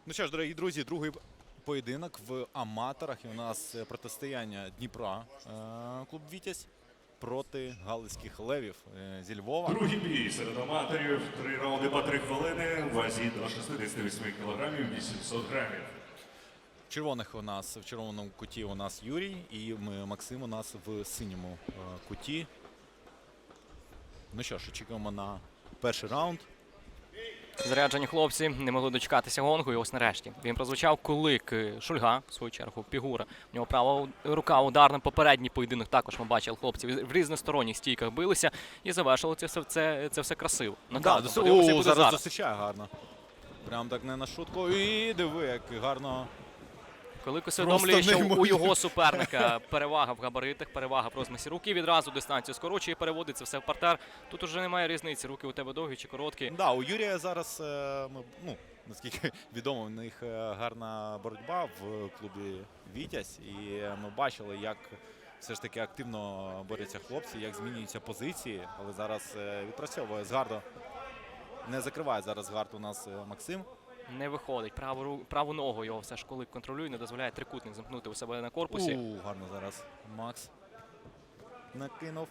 Ну що ж, дорогі друзі, другий поєдинок в аматорах. І у нас протистояння Дніпра, клуб «Вітязь» проти галицьких левів зі Львова. Другий бій серед аматорів. 3 раунди по 3 хвилини. В вазі до 68 кілограмів, 800 грамів. В червоному куті у нас Юрій і Максим у нас в синьому куті. Ну що ж, очікуємо на перший раунд. Заряджені хлопці не могли дочекатися гонгу, і ось нарешті. Він прозвучав кулик Шульга, в свою чергу, Пігура. У нього права рука ударна. Попередній поєдинок також ми бачили хлопців в різносторонніх стійках билися і завершили це все красиво. Зараз засичає гарно. Прям так не на шутку. І диви, як гарно. Кулик усвідомлює, що у його суперника перевага в габаритах, перевага в розмірі руки. Відразу дистанцію скорочує, переводиться все в партер. Тут уже немає різниці, руки у тебе довгі чи короткі. Да, у Юрія зараз, наскільки відомо, в них гарна боротьба в клубі «Вітязь». І ми бачили, як все ж таки активно борються хлопці, як змінюються позиції. Але зараз відпрацьовує Згардо. Не закриває зараз Згард у нас Максим. Не виходить. Праву ногу його все ж Кулик контролює, не дозволяє трикутник замкнути у себе на корпусі. Гарно зараз Макс накинув.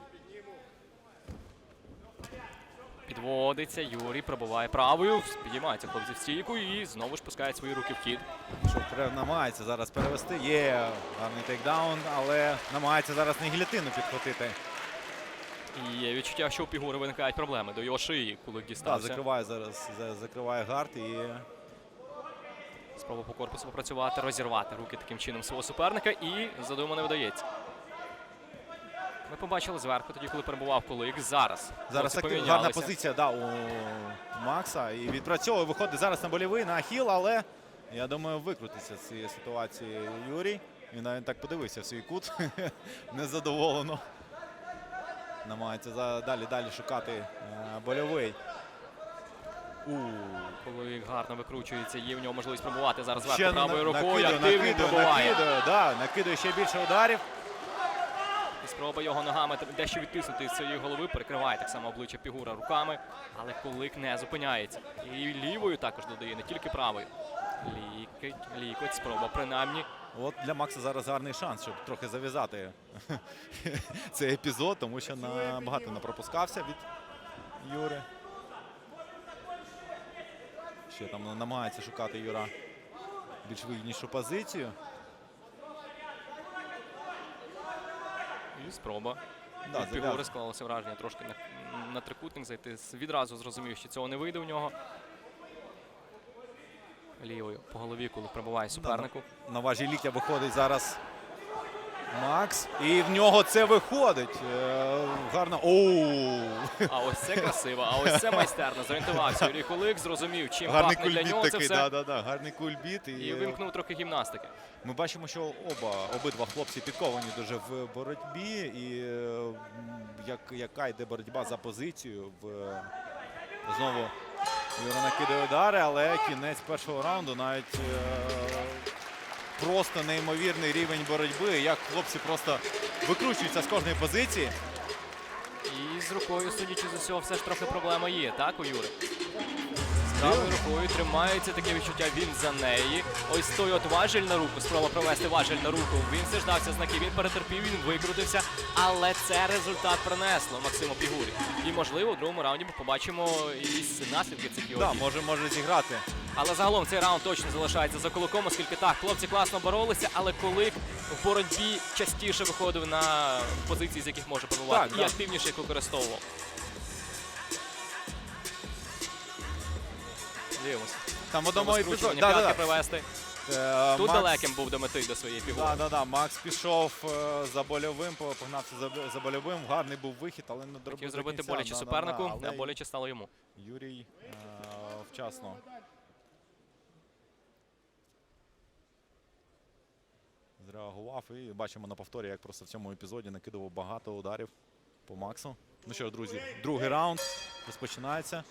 Підводиться, Юрій пробиває правою, підіймається хлопці в стійку і знову ж пускає свої руки в хід. Намагається зараз перевести. Є гарний тейкдаун, але намагається зараз на гілятину підхватити. І є відчуття, що у Пігури виникають проблеми. До його шиї Кулик дістався. Закриває зараз, закриває гард і... Спроба по корпусу попрацювати, розірвати руки таким чином свого суперника і задумано не вдається. Ми побачили зверху, тоді, коли перебував Кулик. Зараз гарна позиція у Макса. І відпрацьовує, виходить зараз на больовий, на ахіл, але я думаю, викрутиться з цієї ситуації Юрій. Він навіть так подивився в свій кут, незадоволено. Намагається далі шукати больовий. Кулик гарно викручується, є в нього можливість пробувати зараз зверху правою рукою. Накидує ще більше ударів. І спроба його ногами дещо відтиснути з цієї голови, перекриває так само обличчя Пігура руками, але Кулик не зупиняється. І лівою також додає, не тільки правою. Лікоть, спроба принаймні. От для Макса зараз гарний шанс, щоб трохи зав'язати цей епізод, тому що багато не пропускався від Юри. Ще там намагається шукати Юра більш вигіднішу позицію. І спроба. Від Пігури склалося враження трошки на трикутник зайти. Відразу зрозумів, що цього не вийде у нього. Лівою по голові, коли пробиває супернику. На важі ліктя виходить зараз Макс. І в нього це виходить. Гарно. А ось це красиво, а ось це майстерно. Зорієнтувався Юрій Кулик, зрозумів, чим пахне для нього це все. Гарний кульбіт. І вимкнув трохи гімнастики. Ми бачимо, що обидва хлопці підковані дуже в боротьбі. І яка йде боротьба за позицію. Знову Юра накидає удари, але кінець першого раунду, навіть просто неймовірний рівень боротьби, як хлопці просто викручуються з кожної позиції. І з рукою, судячи з усього, все ж трохи проблема є, так, у Юри? З правою рукою тримається таке відчуття, він за неї. Ось той от важіль на руку, спроба провести важіль на руку. Він страждався знаки, він перетерпів, він викрутився. Але це результат принесло Максиму Пігурі. І, можливо, у другому раунді ми побачимо якісь наслідки цих його дій. Так, може зіграти. Але загалом цей раунд точно залишається за Куликом, оскільки так, хлопці класно боролися, але Кулик в боротьбі частіше виходив на позиції, з яких може пробувати, і активніше їх використовував. Дивимося. Там в одному епізоді привести. Тут далеким був до мети, до своєї Пігури. Макс пішов за больовим, погнався за больовим. Гарний був вихід, але не доробив. Хотів зробити боляче супернику, а боляче стало йому. Юрій вчасно зреагував і бачимо на повторі, як просто в цьому епізоді накидував багато ударів по Максу. Ну що ж, друзі, другий раунд розпочинається.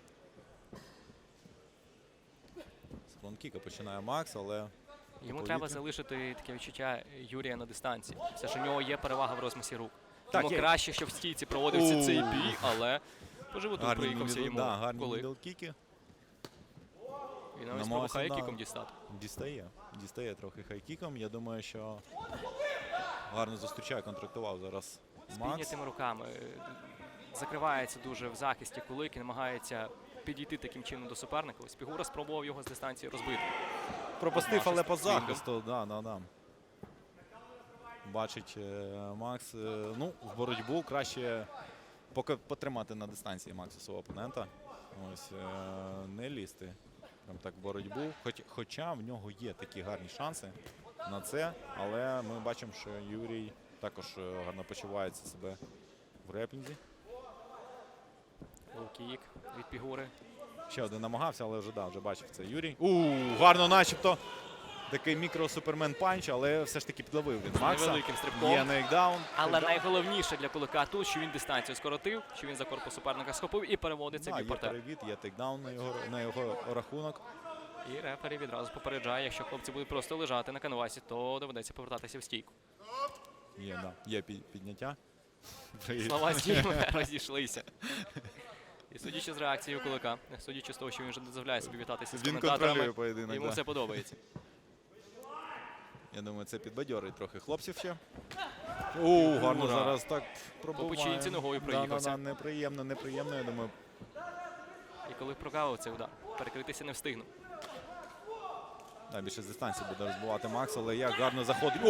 З фланкіка починає Макс, але... Йому треба залишити таке відчуття Юрія на дистанції. Все ж у нього є перевага в розмісі рук. Йому краще, щоб в стійці проводився цей бій, але по животу приїхався йому Кулик. Гарні мідл-кіки. І навіть спробує Намагався, хайкіком да. дістати. Дістає трохи хайкіком. Я думаю, що гарно зустрічає, контрактував зараз З Макс. піднятими руками. Закривається дуже в захисті Кулик і намагається підійти таким чином до суперника. Ось Пігура спробував його з дистанції розбити. Пропустив, але по Свінгом. захисту. Да. Бачить Макс. Ну, в боротьбу краще поки потримати на дистанції Макса свого опонента. Ось не лізти. Прям так в боротьбу. Хоча в нього є такі гарні шанси на це. Але ми бачимо, що Юрій також гарно почувається себе в реплінзі. Лоу-кік від Пігури. Ще один намагався, але вже бачив це Юрій. Гарно начебто. Такий мікро-супермен-панч, але все ж таки підловив він Макса. Невеликим стрибком. Є нейкдаун. Але найголовніше для Кулика тут, що він дистанцію скоротив, що він за корпус суперника схопив і переводиться в Є бій-партер. перевід, є тейкдаун на його рахунок. І рефері відразу попереджає, якщо хлопці будуть просто лежати на канвасі, то доведеться повертатися в стійку. Є підняття. Слова з діями розійшлися. І судячи з реакцією Кулика, судячи з того, що він вже не дозволяє собі вітатися з Він коментаторами, контролює поєдинок. йому Да. все подобається. Я думаю, це підбадьорить трохи хлопців ще. Гарно Ура. зараз так пробуває. По печінці ногою проїхався. Неприємно, я думаю. І коли прогавив цей удар, перекритися не встигнув. Більше з дистанції буде розбивати Макс, але як гарно заходить.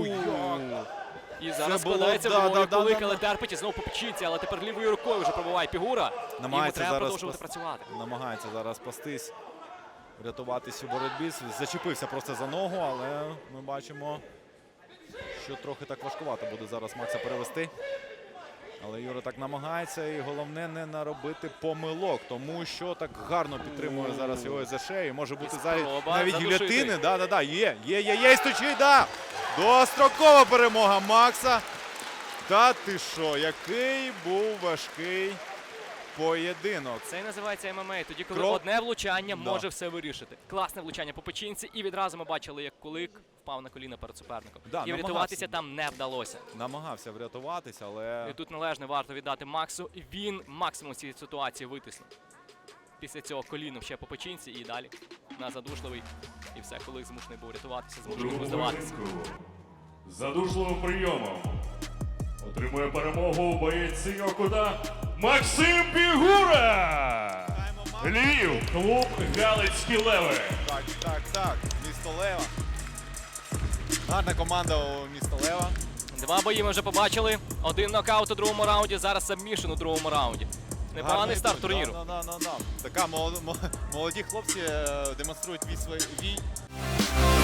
І зараз було, складається да, в да, Кулик, да. але терпить і знову по печінці, але тепер лівою рукою вже пробуває Пігура. Йому Намагається треба зараз продовжувати працювати. Намагається зараз пастись, врятуватись у боротьбі. Зачепився просто за ногу, але ми бачимо, що трохи так важкувато буде зараз Макса перевести. Але Юра так намагається, і головне не наробити помилок, тому що так гарно підтримує зараз його за шею. Може бути спроба навіть задушити. гільотини. Да, є, стучить, да! Дострокова перемога Макса. Та ти що, який був важкий поєдинок. Це і називається ММА, тоді коли Крок. одне влучання Да. може все вирішити. Класне влучання по печінці, і відразу ми бачили, як Кулик впав на коліна перед суперником. Да, І врятуватися там не вдалося. Намагався врятуватися, але І тут належне варто віддати Максу. І він максимум цієї ситуації витиснув. Після цього коліном ще по печінці і далі на задушливий. І все, Кулик змушений був рятуватися, У змушений був другому здаватися. поєдинку задушливим прийомом отримує перемогу боєць синього кута Максим Пігура! Львів, клуб Галицькі Леви. Так. Місто Лева. Гарна команда у міста Лева. Два бої ми вже побачили. Один нокаут у другому раунді, зараз сабмішн у другому раунді. Непоганий Гарний старт бій. турніру. Така молоді хлопці демонструють свій